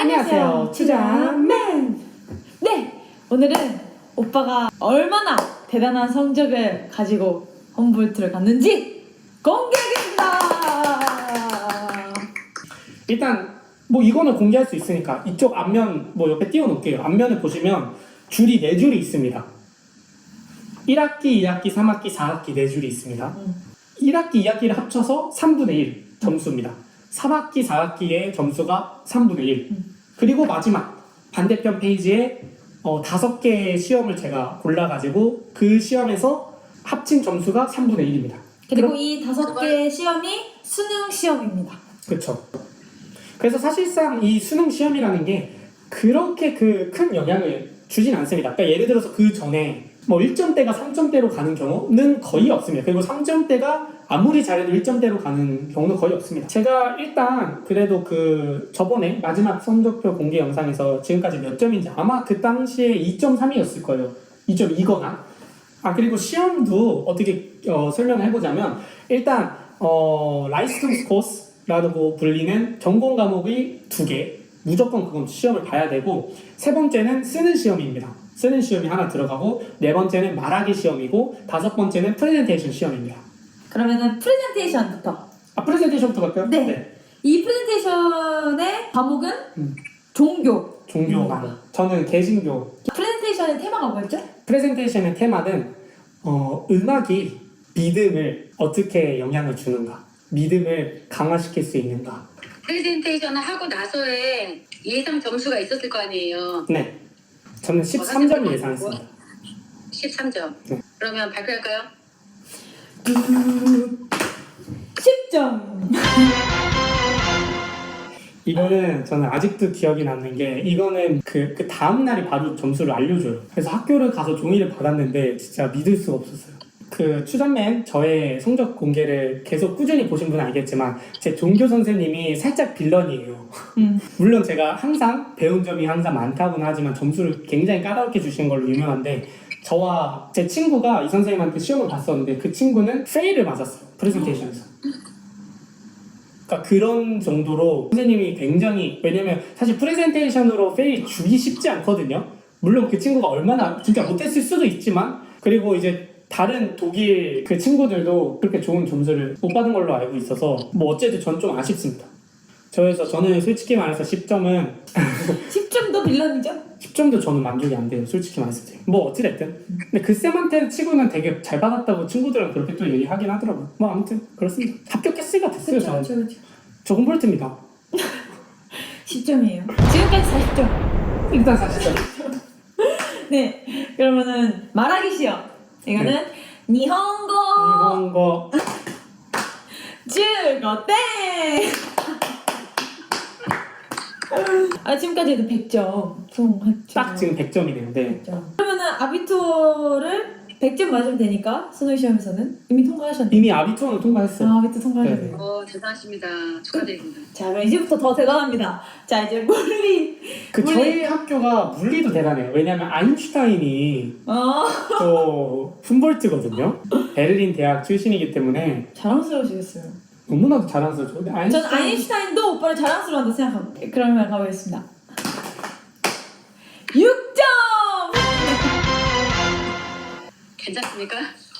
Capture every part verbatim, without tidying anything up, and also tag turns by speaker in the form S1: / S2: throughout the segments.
S1: 안녕하세요, 추자맨.
S2: 네, 오늘은 오빠가 얼마나 대단한 성적을 가지고 홈볼트를 갔는지 공개하겠습니다.
S1: 일단 뭐 이거는 공개할 수 있으니까 이쪽 앞면 뭐 옆에 띄워놓을게요. 앞면을 보시면 줄이 네 줄이 있습니다. 일 학기, 이 학기, 삼 학기, 사 학기 네 줄이 있습니다.
S2: 음.
S1: 일 학기, 이 학기를 합쳐서 삼분의 일 점수입니다. 삼 학기, 사 학기의 점수가 삼분의 일.
S2: 음.
S1: 그리고 마지막 반대편 페이지에 어, 다섯 개의 시험을 제가 골라가지고 그 시험에서 합친 점수가 삼분의 일입니다.
S2: 그리고
S1: 그럼-
S2: 이 다섯 개의 시험이 수능 시험입니다.
S1: 그렇죠. 그래서 사실상 이 수능 시험이라는 게 그렇게 그 큰 영향을 주진 않습니다. 그러니까 예를 들어서 그 전에 뭐 일 점대가 삼 점대로 가는 경우는 거의 없습니다. 그리고 삼 점대가 아무리 잘해도 일 점대로 가는 경우는 거의 없습니다. 제가 일단 그래도 그 저번에 마지막 성적표 공개 영상에서 지금까지 몇 점인지 아마 그 당시에 이 점 삼이었을 거예요. 이 점 이거나. 아 그리고 시험도 어떻게 어, 설명을 해보자면 일단 어, 라이센스 코스라고 불리는 전공 과목이 두 개, 무조건 그건 시험을 봐야 되고, 세 번째는 쓰는 시험입니다. 쓰는 시험이 하나 들어가고, 네 번째는 말하기 시험이고, 다섯 번째는 프레젠테이션 시험입니다.
S2: 그러면은 프레젠테이션부터.
S1: 아 프레젠테이션부터 갈까요?
S2: 네. 이 프레젠테이션의 과목은
S1: 음.
S2: 종교.
S1: 종교 과목. 저는 개신교.
S2: 프레젠테이션의 테마가 뭐였죠?
S1: 프레젠테이션의 테마는 어, 음악이 믿음을 어떻게 영향을 주는가, 믿음을 강화시킬 수 있는가.
S3: 프레젠테이션을 하고 나서의 예상 점수가 있었을 거 아니에요.
S1: 네, 저는 십삼 점 예상했습니다.
S3: 십삼 점.
S1: 네.
S3: 그러면 발표할까요?
S2: 십 점.
S1: 이거는 저는 아직도 기억이 남는 게, 이거는 그, 그 다음날이 바로 점수를 알려줘요. 그래서 학교를 가서 종이를 받았는데 진짜 믿을 수가 없었어요. 그 추전맨 저의 성적 공개를 계속 꾸준히 보신 분은 알겠지만 제 종교 선생님이 살짝 빌런이에요.
S2: 음.
S1: 물론 제가 항상 배운 점이 항상 많다고는 하지만 점수를 굉장히 까다롭게 주시는 걸로 유명한데, 저와 제 친구가 이 선생님한테 시험을 봤었는데 그 친구는 페일을 맞았어요. 프레젠테이션에서. 그러니까 그런 정도로 선생님이 굉장히, 왜냐면 사실 프레젠테이션으로 페일 주기 쉽지 않거든요. 물론 그 친구가 얼마나 진짜 못했을 수도 있지만, 그리고 이제 다른 독일 그 친구들도 그렇게 좋은 점수를 못 받은 걸로 알고 있어서 뭐 어쨌든 전 좀 아쉽습니다. 그래서 저는 솔직히 말해서 십 점은
S2: 십 점도 빌런이죠?
S1: 십 점도 저는 만족이 안 돼요. 솔직히 말해서. 뭐 어찌됐든. 근데 그 쌤한테 치고는 되게 잘 받았다고 친구들은 그렇게 또 얘기하긴 하더라고요. 뭐 아무튼 그렇습니다. 합격했으니까 됐어요.
S2: 그쵸,
S1: 저는.
S2: 그쵸, 그쵸.
S1: 저 홈볼트입니다.
S2: 십 점이에요. 지금까지 사십 점.
S1: 일단 사십 점.
S2: 네, 그러면은 말하기 시험. 이거는
S1: 네.
S2: 니혼고
S1: 일본어
S2: 즐거땡. 아 지금까지도 백 점 수긍했죠.
S1: 딱 지금 백 점이네요. 네.
S2: 백 점. 그러면은 아비투어를 백 점 맞으면 되니까 수능 시험에서는 이미 통과하셨네요.
S1: 이미 아비투어는 통과했어요.
S2: 아, 아비투 통과하셨네요.
S3: 어, 대단하십니다. 축하드립니다.
S2: 자, 그럼 이제부터 더 대단합니다. 자, 이제 물리.
S1: 그
S2: 물리.
S1: 저희 학교가 물리도 대단해요. 왜냐면 아인슈타인이
S2: 어,
S1: 또 훔볼트거든요. 베를린 대학 출신이기 때문에
S2: 자랑스러우시겠어요.
S1: 너무나도 자랑스럽죠. 근데
S2: 전
S1: 아인슈타인
S2: 아인슈타인도 오빠를 자랑스러워한다 생각합니다. 그러면 가보겠습니다. 육 점!
S3: 괜찮습니까?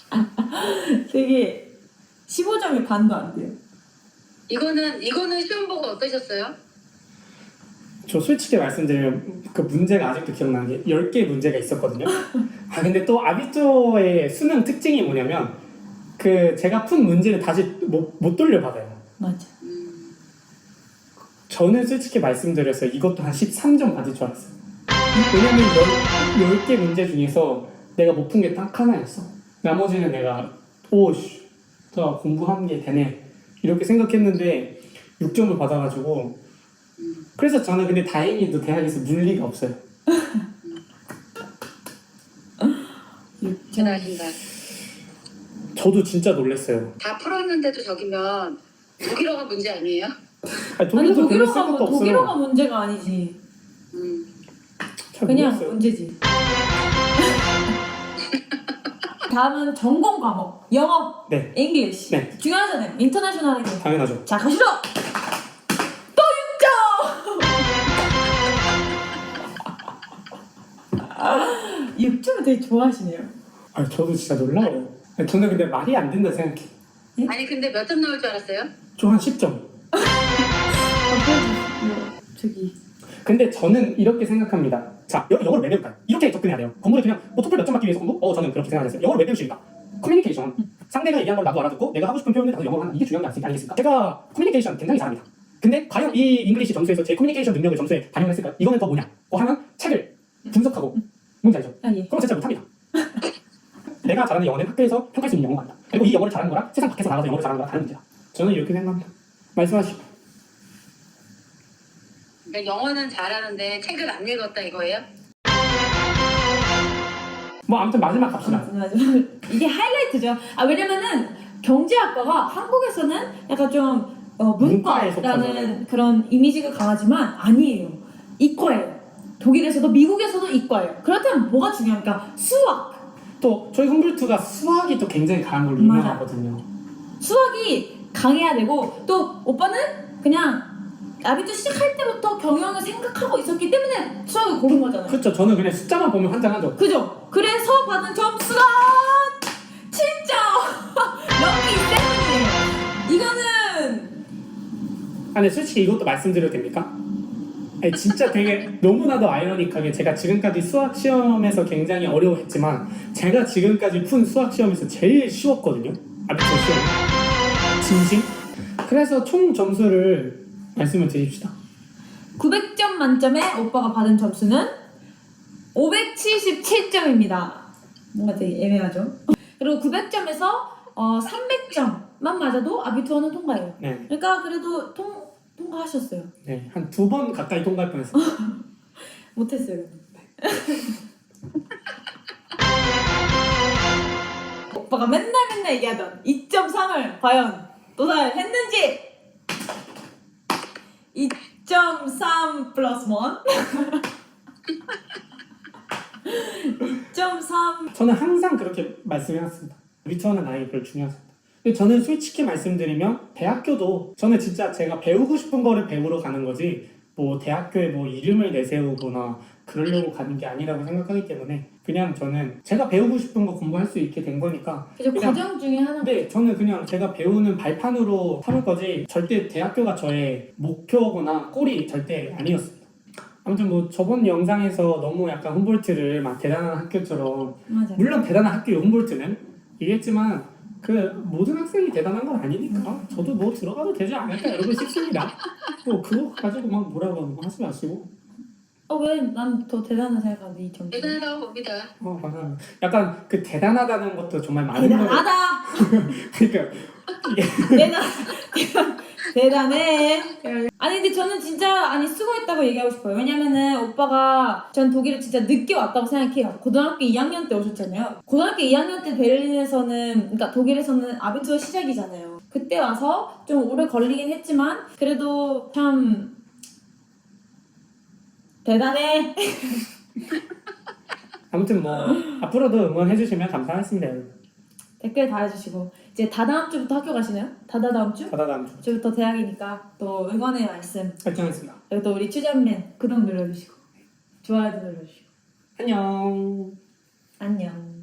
S2: 되게 십오 점이 반도 안 돼요.
S3: 이거는 이거는 시험 보고 어떠셨어요?
S1: 저 솔직히 말씀드리면 그 문제가 아직도 기억나는 게 열 개 문제가 있었거든요. 아 근데 또 아비투어의 수능 특징이 뭐냐면 그 제가 푼 문제를 다시 못, 못 돌려받아요.
S2: 맞아.
S3: 음,
S1: 저는 솔직히 말씀드렸어요. 이것도 한 십삼 점 받을 줄 알았어요. 왜냐면 열 개 문제 중에서 내가 못 푼 게 딱 하나였어. 나머지는 내가 오씨 저 공부한 게 되네 이렇게 생각했는데 육 점을 받아가지고,
S3: 음.
S1: 그래서 저는 근데 다행히도 대학에서 물리가 없어요.
S2: 육 점.
S3: 대단하십니다.
S1: 저도 진짜 놀랐어요.
S3: 다 풀었는데도 저기면 독일어가 문제 아니에요?
S1: 아니,
S2: 아니
S1: 독일도 별로 쓸
S2: 독일어가
S1: 것도
S2: 뭐, 독일어가
S1: 없어요.
S2: 문제가 아니지.
S3: 음.
S1: 잘
S2: 그냥
S1: 모르겠어요.
S2: 문제지. 다음은 전공 과목. 영어,
S1: 네,
S2: 잉글리시.
S1: 네.
S2: 중요하잖아요. 인터내셔널이고.
S1: 당연하죠.
S2: 자, 가시죠. 또 육 점. 육 점을 되게 좋아하시네요.
S1: 아, 저도 진짜 놀라워요. 저는 근데 말이 안 된다 생각해.
S3: 아니 근데 몇 점 나올 줄 알았어요?
S1: 저 한 십 점.
S2: 아, 그래도 뭐, 저기
S1: 근데 저는 이렇게 생각합니다. 자, 여, 영어를 왜 배울까요? 이렇게 접근해야 돼요. 공부를 그냥 뭐 토플 몇 점 받기 위해서 공부? 어, 저는 그렇게 생각했어요. 영어를 왜 배우십니까? 커뮤니케이션. 상대가 얘기한 걸 나도 알아듣고 내가 하고 싶은 표현을 나도 영어로 하는 이게 중요한 게 아니겠습니까? 제가 커뮤니케이션 굉장히 잘합니다. 근데 과연 이 잉글리시 점수에서 제 커뮤니케이션 능력을 점수에 반영했을까요? 이거는 더 뭐냐? 어 하면 책을 분석하고 뭔지 알죠?
S2: 아 예.
S1: 그럼 진짜 못합니다. 내가 잘하는 영어는 학교에서 평가할 수 있는 영어가 아니다. 그리고 이 영어를 잘하는 거랑 세상 밖에서 나가서 영어를 잘하는 거랑 다른 문제다. 저는 이렇게 생각합니다. 말씀하시죠.
S3: 그러니까 영어는 잘하는데 책을 안 읽었다 이거예요?
S1: 뭐 아무튼 마지막 갑시다.
S2: 마지막 이게 하이라이트죠. 아 왜냐면은 경제학과가 한국에서는 약간 좀 어,
S1: 문과에
S2: 문과라는
S1: 속하잖아요.
S2: 그런 이미지가 강하지만 아니에요. 이과예요. 독일에서도 미국에서도 이과예요. 그렇다면 뭐가 중요합니까? 수학.
S1: 또 저희 humboldt가 수학이 또 굉장히 강한 걸로
S2: 맞아.
S1: 유명하거든요.
S2: 수학이 강해야 되고 또 오빠는 그냥 아비투 시작할 때부터 경영을 생각하고 있었기 때문에 수학을 고른 거잖아요.
S1: 그렇죠. 저는 그냥 숫자만 보면 환장하죠.
S2: 그죠? 그래서 받은 점수가 칠 점! 럭키 세븐이에요. 이거는
S1: 아, 근데 솔직히 이것도 말씀드려도 됩니까? 아니, 진짜 되게 너무나도 아이러니하게 제가 지금까지 수학 시험에서 굉장히 어려워했지만 제가 지금까지 푼 수학 시험에서 제일 쉬웠거든요. 아비투 시험. 진심? 그래서 총 점수를 말씀을 드립시다.
S2: 구백 점 만점에 오빠가 받은 점수는 오백칠십칠 점입니다. 뭔가 되게 애매하죠? 그리고 구백 점에서 어, 삼백 점만 맞아도 아비투어는 통과해요.
S1: 네,
S2: 그러니까 그래도 통, 통과하셨어요.
S1: 네, 한 두 번 가까이 통과할 뻔했어요.
S2: 못했어요. 오빠가 맨날 맨날 얘기하던 이 점 삼을 과연 도달했는지 이 점 삼 플러스 일 이 점 삼
S1: 저는 항상 그렇게 말씀해왔습니다. 리턴은 아예 별로 중요하지 않다. 근데 저는 솔직히 말씀드리면 대학교도 저는 진짜 제가 배우고 싶은 거를 배우러 가는 거지 뭐 대학교에 뭐 이름을 내세우거나 그러려고 가는 게 아니라고 생각하기 때문에 그냥 저는 제가 배우고 싶은 거 공부할 수 있게 된 거니까
S2: 이제
S1: 그냥
S2: 과정 중에 하나.
S1: 네, 저는 그냥 제가 배우는 발판으로 삼을 거지 절대 대학교가 저의 목표거나 꼴이 절대 아니었습니다. 아무튼 뭐 저번 영상에서 너무 약간 훔볼트를 막 대단한 학교처럼
S2: 맞아.
S1: 물론 대단한 학교예요 훔볼트는 얘기했지만 그 모든 학생이 대단한 건 아니니까 저도 뭐 들어가도 되지 않을까 여러분 싶습니다. 뭐 그거 가지고 막 뭐라고 하는 거 하지 마시고.
S2: 어 왜 난 더 대단한 생각하는데 이 점수.
S3: 대단하다고 봅니다.
S1: 어 감사합니다. 약간 그 대단하다는 것도 정말 많은 거를
S2: 대단하다.
S1: 그러니까
S2: 대단 대단해. 아니 근데 저는 진짜 아니 수고했다고 얘기하고 싶어요. 왜냐면은 오빠가 전 독일을 진짜 늦게 왔다고 생각해요. 고등학교 이 학년 때 오셨잖아요. 고등학교 이 학년 때 베를린에서는 그러니까 독일에서는 아비투어 시작이잖아요. 그때 와서 좀 오래 걸리긴 했지만 그래도 참 대단해.
S1: 아무튼 뭐 앞으로도 응원해 주시면 감사하겠습니다. 여러분.
S2: 댓글 달아주시고 이제 다다음 주부터 학교 가시나요? 다다다음 주?
S1: 다다다음 주
S2: 주부터 대학이니까 또 응원의 말씀
S1: 발전했습니다.
S2: 그리고 또 우리 추자맨 구독 눌러주시고 좋아요도 눌러주시고
S1: 안녕.
S2: 안녕.